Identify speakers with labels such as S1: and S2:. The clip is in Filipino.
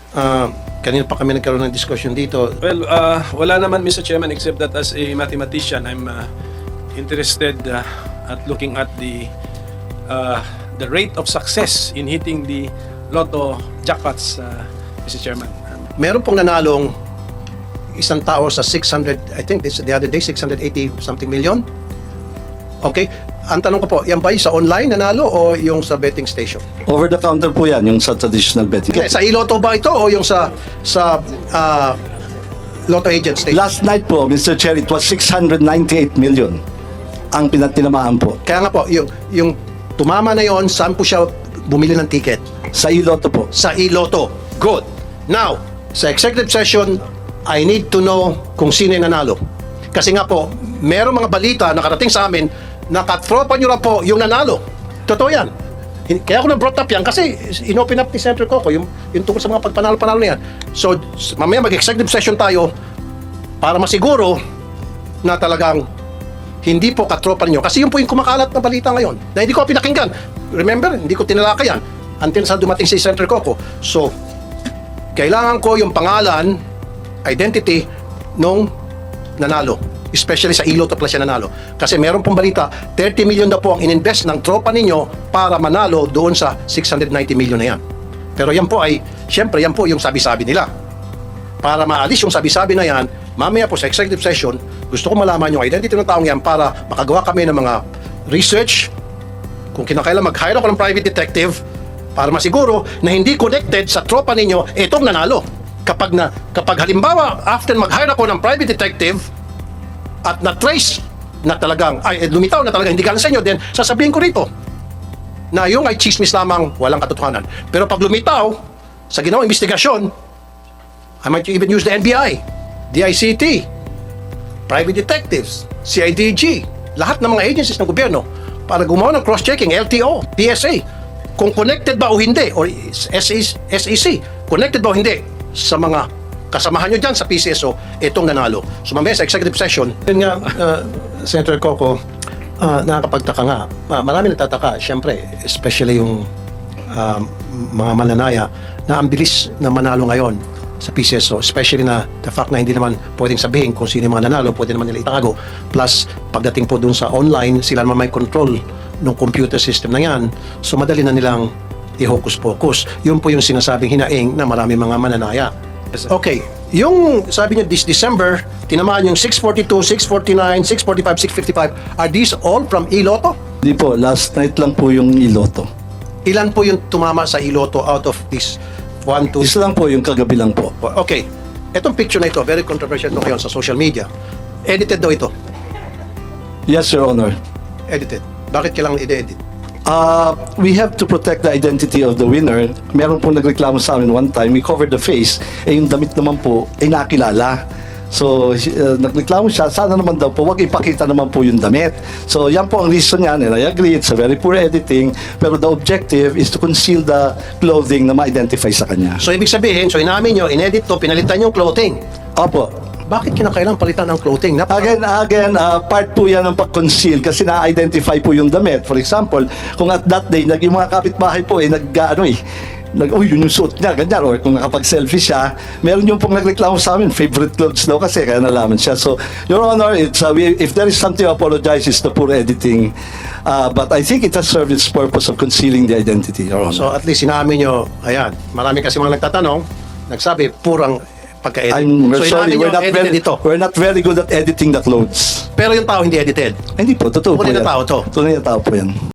S1: Kanina pa kami nagkaroon ng discussion dito.
S2: Well, wala naman, Mr. Chairman, except that as a mathematician, I'm interested at looking at the rate of success in hitting the lotto jackpots, Mr. Chairman.
S1: Meron pong nanalong isang tao sa 600, I think this the other day, 680 something million. Okay? Ang tanong ko po, yan ba yung sa online nanalo o yung sa betting station?
S3: Over the counter po yan, yung sa traditional betting.
S1: Okay, sa iLotto ba ito o yung sa Lotto Agent Station?
S3: Last night po, Mr. Chair, it was 698 million ang pinatinamaan po.
S1: Kaya nga po, yung tumama na yon, saan po siya bumili ng ticket?
S3: Sa iLotto po.
S1: Sa iLotto. Good. Now, sa executive session, I need to know kung sino yung nanalo. Kasi nga po, merong mga balita nakarating sa amin na katropa nyo na po yung nanalo. Totoo yan. Kaya ako na-brought up yan kasi in-open up ni Senator Coco yung tungkol sa mga pagpanalo-panalo na yan. So, mamaya mag-executive session tayo para masiguro na talagang hindi po katropa ninyo. Kasi yun po yung kumakalat na balita ngayon na hindi ko pinakinggan. Remember, hindi ko tinalaka yan until sa dumating si Senator Coco. So, kailangan ko yung pangalan, identity nung nanalo. Especially sa iLotto Plus siya nanalo. Kasi meron pong balita, 30 million na po ang ininvest ng tropa ninyo para manalo doon sa 690 million na yan. Pero yan po ay, syempre yan po yung sabi-sabi nila. Para maalis yung sabi-sabi na yan, mamaya po sa executive session, gusto ko malaman yung identity ng taong yan para makagawa kami ng mga research. Kung kinakailan mag-hire ako ng private detective para masiguro na hindi connected sa tropa ninyo itong nanalo. Kapag halimbawa, after mag-hire ako ng private detective, at na-trace na talagang, lumitaw na talagang hindi galing sa inyo, then sasabihin ko rito na yung ay chismis lamang, walang katotohanan. Pero pag lumitaw sa ginawang investigasyon, I might even use the NBI, DICT, private detectives, CIDG, lahat ng mga agencies ng gobyerno para gumawa ng cross-checking, LTO, PSA, kung connected ba o hindi, or SEC, connected ba o hindi sa mga kasamahan nyo dyan sa PCSO, itong nanalo. So mamaya sa executive session, yun nga, Senator Coco, nakakapagtaka nga. Marami nagtataka, syempre, especially yung mga mananaya na ang bilis na manalo ngayon sa PCSO, especially na the fact na hindi naman pwedeng sabihin kung sino yung mga nanalo, pwede naman nila itago. Plus, pagdating po dun sa online, sila naman may control ng computer system na yan. So madali na nilang i-hocus-pocus. Yun po yung sinasabing hinaing na marami mga mananaya. Okay, yung sabi niyo this December, tinamaan yung 642, 649, 645, 655. Are these all from iLotto?
S3: Hindi po, last night lang po yung iLotto.
S1: Ilan po yung tumama sa iLotto out of this 1, 2,
S3: Isa lang po, yung kagabi lang po.
S1: Okay, etong picture na ito, very controversial ito ngayon sa social media. Edited daw ito.
S3: Yes, Your Honor.
S1: Edited. Bakit kailangan i-edit?
S3: We have to protect the identity of the winner. Meron pong nagreklamo sa amin one time, we covered the face, yung damit naman po ay nakilala. So, nagreklamo siya, sana naman daw po, wag ipakita naman po yung damit. So, yan po ang reason niya, and I agree, it's a very poor editing, pero the objective is to conceal the clothing na ma-identify sa kanya.
S1: So, ibig sabihin, so inamin nyo, inedit to, pinalitan yung clothing.
S3: Opo.
S1: Bakit kinakailangan palitan ang clothing?
S3: Again, part po yan ng pag-conceal kasi na-identify po yung damit. For example, kung at that day, yung mga kapitbahay po yun yung suot niya, ganyan. Or kung nakapag-selfie siya, meron yung pong nagreklamo sa amin, favorite clothes daw kasi, kaya nalaman siya. So, Your Honor, if there is something to apologize, it's the poor editing. But I think it has served its purpose of concealing the identity, Your Honor.
S1: So, at least sinamin nyo, ayan, marami kasi mga nagtatanong, nagsabi, purang pagka-edit.
S3: I'm
S1: So,
S3: sorry,
S1: inamin nyo,
S3: we're not very good at editing the clothes.
S1: Pero yung tao hindi edited.
S3: Hindi po, totoo po
S1: Tunay na
S3: yan.
S1: tao to.
S3: Tunay na tao po yan.